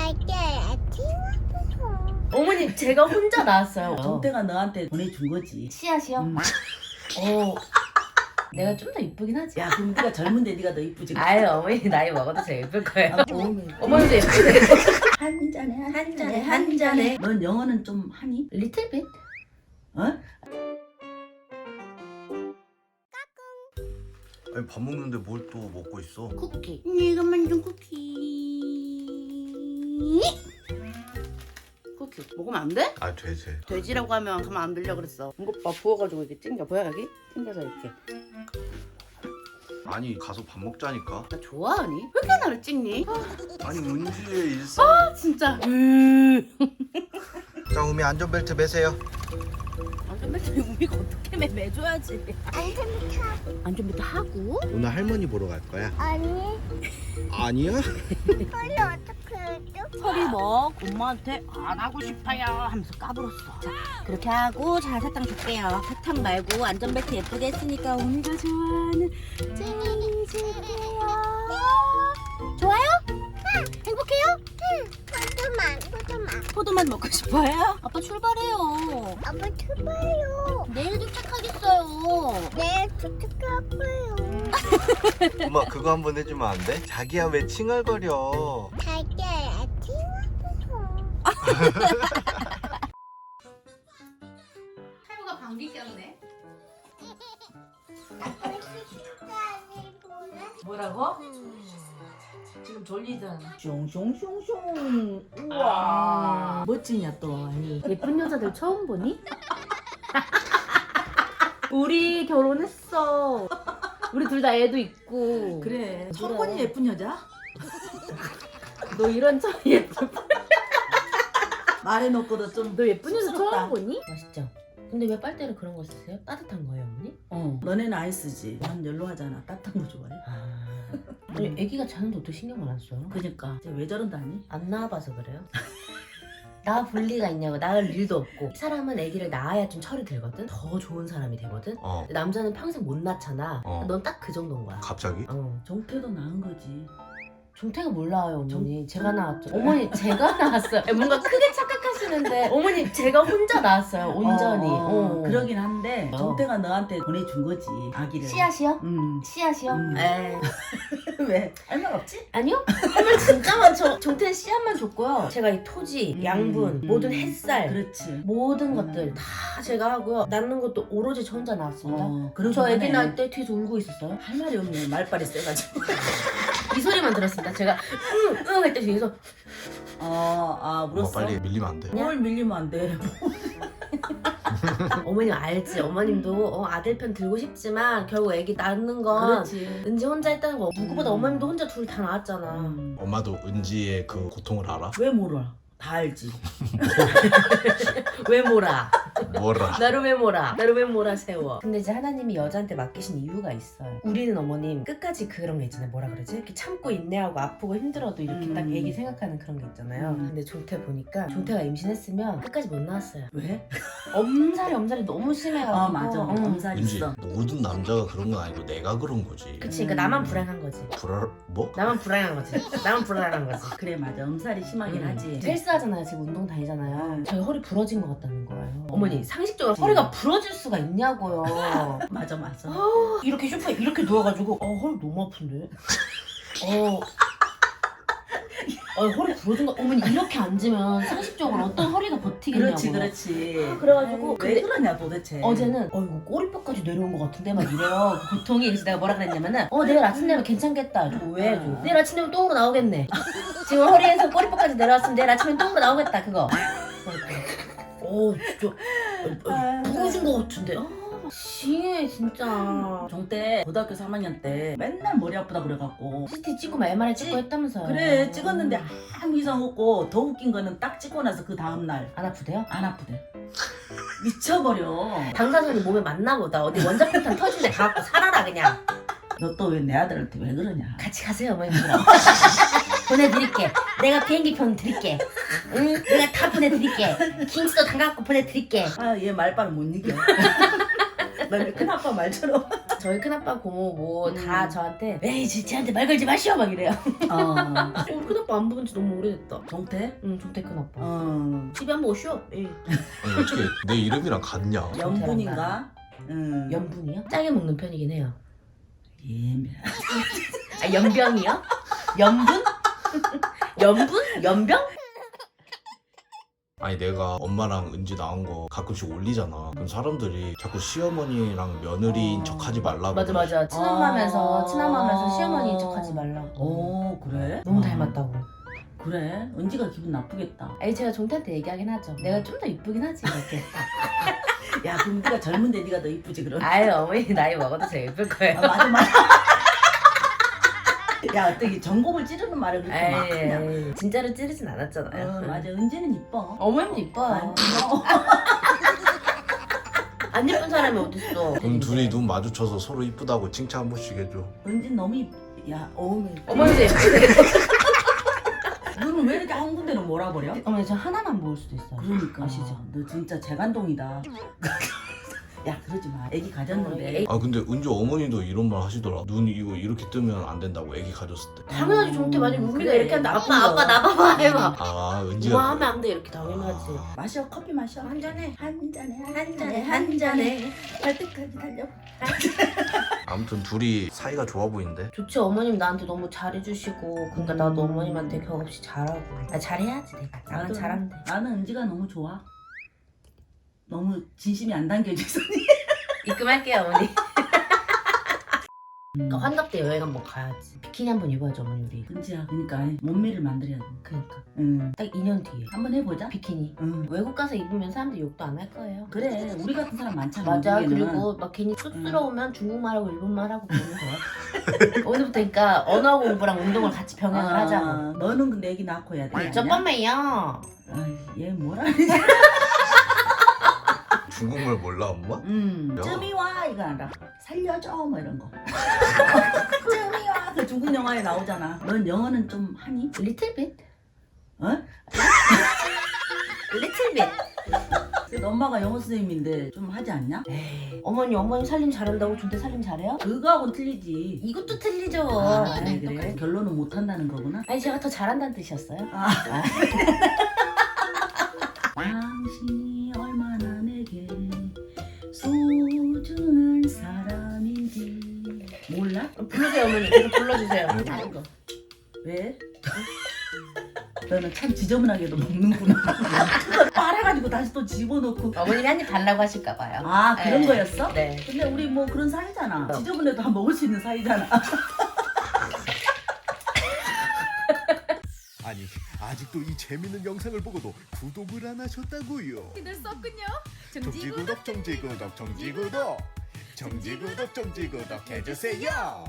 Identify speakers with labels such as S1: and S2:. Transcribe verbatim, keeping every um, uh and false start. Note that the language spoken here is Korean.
S1: 어머니 제가 혼자 낳았어요.
S2: 정태가 너한테 보내준 거지.
S1: 씨앗이요?
S2: 음.
S1: 어. 내가 좀 더 이쁘긴 하지.
S2: 야 그럼 네가 젊은데 네가 더 이쁘지.
S1: 아유 어머니 나이 먹어도 제가 예쁠 거예요.
S2: 어머니.
S1: 어머니도 예쁘세요.
S2: 한 잔에 한,
S1: 한
S2: 잔에
S1: 잔에,
S2: 한
S1: 한
S2: 잔에.
S1: 잔에.
S2: 넌 영어는 좀 하니?
S1: 리틀 빛?
S2: 어?
S3: 아니 밥 먹는데 뭘 또 먹고 있어?
S1: 쿠키.
S4: 내가 만든 쿠키. 쿠키 먹으면 안 돼?
S3: 아 돼지.
S4: 돼지라고 하면 가만 안 들려 그랬어. 이것 봐 부어가지고 이렇게 찡겨 보여 여기? 찡겨서 이렇게.
S3: 아니 가서 밥 먹자니까.
S4: 나 좋아하니? 왜 이렇게 나를 찍니?
S3: 아니 은지의 일상.
S4: 아 진짜. 으.
S3: 자 우미 안전벨트 매세요.
S4: 안전벨트 우미가 어떻게 매 매줘야지.
S5: 안전벨트
S4: 안전벨트 하고.
S3: 오늘 할머니 보러 갈 거야?
S5: 아니
S3: 아니야?
S5: 허리 어떻게 해줘?
S4: 서리 뭐 엄마한테 안 하고 싶어요 하면서 까불었어. 자 그렇게 하고 자 사탕 줄게요. 사탕 말고 안전벨트 예쁘게 했으니까 우미가 좋아하는 젤리 줄게요. 좋아요? 응. 행복해요?
S5: 포도만 포도만
S4: 포도만 먹고 싶어요? 아빠 출발해요.
S5: 아빠 출발요.
S4: 내일 도착하겠어요.
S5: 내일 도착할거요.
S3: 엄마 그거 한번 해주면 안 돼? 자기야 왜 칭얼거려?
S5: 자기야 아침
S4: 탈모가 방귀 꼈네.
S2: 뭐라고? 지금 졸리잖아. 숑숑숑숑. 우와. 멋지냐 또 아니.
S1: 예쁜 여자들 처음 보니? 우리 결혼했어. 우리 둘 다 애도 있고.
S2: 그래. 처음 보니 예쁜 여자?
S1: 너 이런 저 예쁜.
S2: 말해놓고도 좀.
S1: 너 예쁜 여자
S2: 쑥스럽다.
S1: 처음 보니? 맛있죠. 근데 왜 빨대를 그런 거 쓰세요? 따뜻한 거예요, 언니?
S2: 어. 너네는 아이스지. 난 열로 하잖아. 따뜻한 거 좋아해.
S1: 아. 아니 애기가 자는데 어떻게 신경을 안 써요?
S2: 그니까. 왜 저런다니?
S1: 안 낳아봐서 그래요? 낳아 볼 리가 있냐고. 낳을 일도 없고. 사람은 아기를 낳아야 좀 철이 들거든. 더 좋은 사람이 되거든.
S3: 어.
S1: 근데 남자는 평생 못 낳잖아.
S3: 어.
S1: 넌 딱 그 정도인 거야.
S3: 갑자기?
S1: 어.
S2: 정태도 나은 거지.
S1: 종태가 몰라요, 어머니. 제가 낳았죠. 어머니, 제가 낳았어요. 뭔가 크게 착각하시는데, 어머니, 제가 혼자 낳았어요, 온전히.
S2: 어,
S1: 어.
S2: 그러긴 한데
S1: 어.
S2: 정태가 너한테 보내준 거지 아기를.
S1: 씨앗이요?
S2: 음.
S1: 씨앗이요?
S2: 음.
S1: 에
S2: 왜? 할 말 없지?
S1: 아니요? 할말 진짜 많죠. 종태는 씨앗만 줬고요. 제가 이 토지,
S2: 음,
S1: 양분,
S2: 음.
S1: 모든 햇살,
S2: 그렇지.
S1: 모든
S2: 음.
S1: 것들 다 제가 하고요. 낳는 것도 오로지 저 혼자 낳았습니다.
S2: 어, 그러고
S1: 저 애기
S2: 하네.
S1: 낳을 때 뒤에서 울고 있었어요.
S2: 할 말이 없네. 말빨이 세가지고.
S1: 이 소리만 들었습니다. 제가 응, 응 할 때 뒤에서
S2: 어, 아,
S3: 엄마
S2: 물었어?
S3: 빨리 밀리면 안 돼.
S2: 뭘 밀리면 안 돼.
S1: 어머님 알지? 어머님도 어, 아들 편 들고 싶지만 결국 애기 낳는 건
S2: 그렇지.
S1: 은지 혼자 했다는 거 누구보다
S2: 음.
S1: 어머님도 혼자 둘 다 낳았잖아.
S2: 음.
S3: 엄마도 은지의 그 고통을 알아?
S2: 왜 몰라? 다 알지.
S1: 왜 몰아?
S3: 뭐라?
S1: 나를 왜 몰아? 나를 왜 몰아 세워? 근데 이제 하나님이 여자한테 맡기신 이유가 있어요. 우리는 어머님 끝까지 그런 게 있잖아요. 뭐라 그러지? 이렇게 참고 인내하고 아프고 힘들어도 이렇게
S2: 음.
S1: 딱 애기 생각하는 그런 게 있잖아요.
S2: 음.
S1: 근데 종태 보니까 종태가 임신했으면 끝까지 못 낳았어요.
S2: 왜?
S1: 엄살이 엄살이 너무 심해가지고.
S2: 아, 맞아.
S1: 응.
S2: 엄살
S3: 은지
S2: 있어.
S3: 모든 남자가 그런 건 아니고 내가 그런 거지.
S1: 그치, 그러니까 나만 불안한 거지.
S3: 불알 뭐?
S1: 나만 불안한 거지. 나만 불안한 거지.
S2: 그래, 맞아. 엄살이 심하긴
S1: 음.
S2: 하지.
S1: 헬스하잖아요. 지금 운동 다니잖아요. 저희 허리 부러진 것 같다는 거예요.
S2: 어.
S1: 어머니 상식적으로
S2: 음.
S1: 허리가 부러질 수가 있냐고요.
S2: 맞아, 맞아.
S1: 아, 이렇게 쇼파에 이렇게 누워가지고 어 허리 너무 아픈데. 어. 어 허리 부러진 거. 어머니 이렇게 앉으면 상식적으로 어떤 허리가 버티겠냐고요.
S2: 그렇지, 그렇지.
S1: 그래가지고
S2: 왜
S1: 근데
S2: 그러냐 도대체.
S1: 어제는 어 이거 꼬리뼈까지 내려온 것 같은데 막 이래요. 그 고통이. 그래서 내가 뭐라 그랬냐면은 어 내일 아침 되면 괜찮겠다. 저거 왜 해줘? 내일 아침 되면 똥으로 나오겠네. 지금 허리에서 꼬리뼈까지 내려왔으면 내일 아침엔 똥으로 나오겠다 그거. 어 진짜 어, 부러진 것 같은데. 아 징해 진짜.
S2: 정때 고등학교 삼 학년 때 맨날 머리 아프다 그래갖고.
S1: 씨티 찍고 막 엠알아이 찍고
S2: 찍-
S1: 했다면서요.
S2: 그래, 찍었는데 아무 이상 없고 더 웃긴 거는 딱 찍고 나서 그 다음날
S1: 안 아프대요?
S2: 안 아프대. 미쳐버려.
S1: 방사선이 몸에 맞나 보다. 어디 원자폭탄 터진데 가갖고 살아라 그냥.
S2: 너 또 왜 내 아들한테 왜 그러냐.
S1: 같이 가세요 어머님들랑. 보내드릴게. 내가 비행기편 드릴게. 응? 내가 다 보내드릴게. 킹스도 담가갖고 보내드릴게.
S2: 아, 얘 말빨 못 이겨. 너네 큰아빠 말처럼.
S1: 저희 큰아빠 고모 뭐 다
S2: 음.
S1: 저한테 에이 쟤- 쟤한테 말 걸지 마시오 막 이래요.
S2: 어.
S1: 어, 우리 큰아빠 안 본 지 너무 오래됐다.
S2: 정태?
S1: 응 종태 큰아빠.
S2: 어.
S1: 집에 한번 오시오. 예.
S3: 아니 어떻게 내 이름이랑 같냐?
S2: 연분인가? 응.
S1: 연분이요? 짜게 먹는 편이긴 해요.
S2: 예매.
S1: 아 연병이요? 연분? 연분? 연병?
S3: 아니 내가 엄마랑 은지 나온 거 가끔씩 올리잖아. 그럼 사람들이 자꾸 시어머니랑 며느리인
S2: 어.
S3: 척하지 말라고.
S1: 맞아 맞아. 친엄마면서
S2: 아.
S1: 친엄마면서 시어머니인 척하지 말라고.
S2: 오 그래?
S1: 너무
S2: 어.
S1: 닮았다고.
S2: 그래? 은지가 기분 나쁘겠다.
S1: 아니 제가 종태한테 얘기하긴 하죠. 내가 좀 더 이쁘긴 하지 이렇게.
S2: 야 그럼 네가 젊은데 네가 더 이쁘지 그럼?
S1: 아유 어머니 나이 먹어도 제일 예쁠 거예요.
S2: 아, 맞아 맞아. 야 어떻게 전곡을 찌르는 말을 그렇게 막 그냥.
S1: 에이, 진짜로 찌르진 않았잖아요.
S2: 어, 맞아 은지는 이뻐.
S1: 어머님도 이뻐요.
S2: 아, 어.
S1: 안 예쁜 사람이 어딨어.
S3: 그럼 둘이 눈 마주쳐서 서로 이쁘다고 칭찬 한 번씩 해줘.
S2: 은진 너무 이쁘. 야 어머니.
S1: 어머니도 예쁘네.
S2: 눈은 왜 이렇게 한 군데는 몰아버려?
S1: 어머니 저 하나만 모을 수도 있어요.
S2: 그러니까
S1: 아시죠?
S2: 너 진짜 재간동이다. 야 그러지 마. 애기 가졌는데.
S3: 아 근데 은지 어머니도 이런 말 하시더라. 눈 이거 이렇게 뜨면 안 된다고 애기 가졌을 때.
S1: 당연하지 종태 만약 우리가
S2: 그래,
S1: 이렇게 한다.
S2: 나쁜
S1: 아빠
S2: 거.
S1: 아빠 나봐봐 해봐.
S3: 아
S1: 우와
S3: 은지가.
S1: 하면 안 돼 이렇게 당연하지.
S3: 아,
S2: 마셔 커피 마셔.
S1: 한 잔해.
S2: 한 잔에
S1: 한 잔에 한 잔에.
S2: 갈 때까지 달려.
S3: 아무튼 둘이 사이가 좋아 보이는데.
S1: 좋지 어머님 나한테 너무 잘해주시고 그러니까
S2: 음.
S1: 나도 어머님한테 격없이 잘하고. 아 잘해야지 내가. 나만
S2: 나도-
S1: 잘하면 돼.
S2: 나는 은지가 너무 좋아. 너무 진심이 안 담겨져서.
S1: 입금할게요 어머니.
S2: 음.
S1: 그러니까 환갑 때 여행 한번 가야지. 비키니 한번 입어야죠 어머니 우리.
S2: 은지야 그러니까 몸매를 만들어야 돼.
S1: 그러니까
S2: 응.
S1: 딱 이 년 뒤에
S2: 한번 해보자.
S1: 비키니.
S2: 응.
S1: 외국 가서 입으면 사람들이 욕도 안 할 거예요.
S2: 그래 우리 같은 사람 많잖아.
S1: 맞아.
S2: 미국에는.
S1: 그리고 막 괜히 쑥스러우면 중국말하고 일본말하고 그러면 돼요. 오늘부터 그러니까 언어 공부랑 운동을 같이 병행을
S2: 아,
S1: 하자고.
S2: 너는 근데 애기 낳고 해야 돼.
S1: 잠깐만요.
S2: 아이, 얘 뭐라 그러지?
S3: 중국말 몰라 엄마?
S2: 음.
S3: 야.
S2: 쯤이 와 이거 알아. 살려줘 뭐 이런 거. 쯤이 와. 그 중국 영화에 나오잖아. 넌 영어는 좀 하니?
S1: Little bit.
S2: 어?
S1: Little bit.
S2: 그래도 엄마가 영어 선생님인데 좀 하지 않냐?
S1: 에이, 어머니 어머니 살림 잘한다고 준대 살림 잘해요?
S2: 그거하고는 틀리지.
S1: 이것도 틀리죠.
S2: 아,
S1: 네,
S2: 그래?
S1: 똑같이.
S2: 결론은 못 한다는 거구나.
S1: 아니 제가 더 잘한다는 뜻이었어요.
S2: 아. 당신이 얼마나 내게 소중한 사람인지 몰라?
S1: 불러주세요 어머니. 계속 불러주세요.
S2: 다른 거. 왜? 너는 참 지저분하게도 먹는구나. 그걸 빨아가지고 다시 또 집어넣고.
S1: 어머님이 한 입 달라고 하실까 봐요.
S2: 아 그런
S1: 네.
S2: 거였어?
S1: 네.
S2: 근데 우리 뭐 그런 사이잖아.
S1: 어.
S2: 지저분해도 다 먹을 수 있는 사이잖아.
S6: 아니 아직도 이 재밌는 영상을 보고도 구독을 안 하셨다고요?
S4: 됐었군요.
S6: 정지구독 정지구독 정지구독 정지구독 정지구독 해주세요.